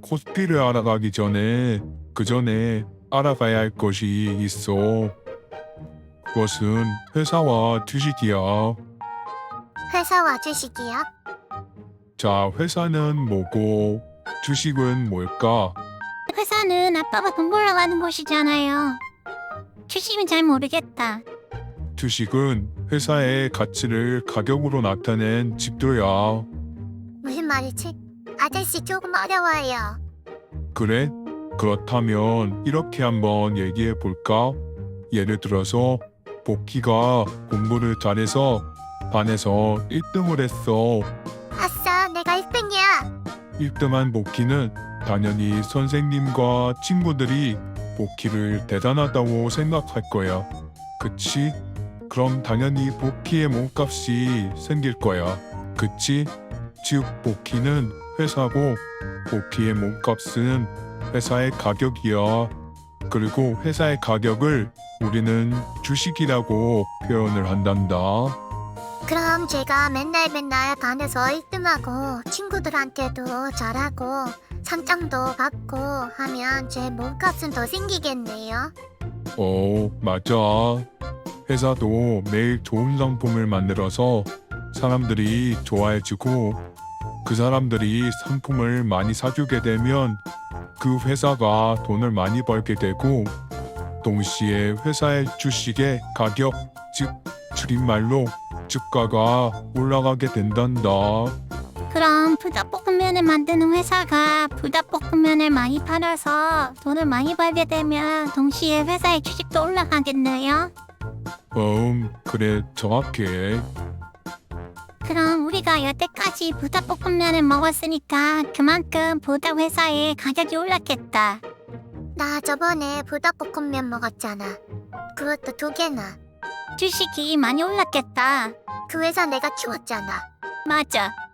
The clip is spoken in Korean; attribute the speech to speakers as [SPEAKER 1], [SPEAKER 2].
[SPEAKER 1] 코스피를 알아가기 전에 그 전에 알아봐야 할 것이 있어. 그것은 회사와 주식이야.
[SPEAKER 2] 회사와 주식이요?
[SPEAKER 1] 자, 회사는 뭐고 주식은 뭘까?
[SPEAKER 3] 회사는 아빠가 돈 벌러가는 곳이잖아요. 주식은 잘 모르겠다.
[SPEAKER 1] 주식은 회사의 가치를 가격으로 나타낸 지표야.
[SPEAKER 2] 무슨 말이지? 아저씨 조금 어려워요.
[SPEAKER 1] 그래? 그렇다면 이렇게 한번 얘기해 볼까? 예를 들어서 복희가 공부를 잘해서 반에서 1등을 했어.
[SPEAKER 2] 아싸, 내가 1등이야.
[SPEAKER 1] 1등한 복희는 당연히 선생님과 친구들이 복희를 대단하다고 생각할 거야. 그치? 그럼 당연히 복희의 몸값이 생길 거야. 그치? 즉 복희는 회사고 복희의 몸값은 회사의 가격이야. 그리고 회사의 가격을 우리는 주식이라고 표현을 한단다.
[SPEAKER 2] 그럼 제가 맨날 반에서 1등하고 친구들한테도 잘하고 상장도 받고 하면 제 몸값은 더 생기겠네요.
[SPEAKER 1] 맞아. 회사도 매일 좋은 상품을 만들어서 사람들이 좋아해주고 그 사람들이 상품을 많이 사주게 되면 그 회사가 돈을 많이 벌게 되고 동시에 회사의 주식의 가격, 즉 줄임말로 주가가 올라가게 된단다.
[SPEAKER 3] 그럼 불닭볶음면을 만드는 회사가 불닭볶음면을 많이 팔아서 돈을 많이 벌게 되면 동시에 회사의 주식도 올라가겠네요.
[SPEAKER 1] 그래 정확해.
[SPEAKER 3] 그럼 우리가 여태까지 불닭볶음면을 먹었으니까 그만큼 불닭 회사의 가격이 올랐겠다.
[SPEAKER 2] 나 저번에 불닭볶음면 먹었잖아. 그것도 2개나.
[SPEAKER 3] 주식이 많이 올랐겠다.
[SPEAKER 2] 그 회사 내가 키웠잖아.
[SPEAKER 3] 맞아.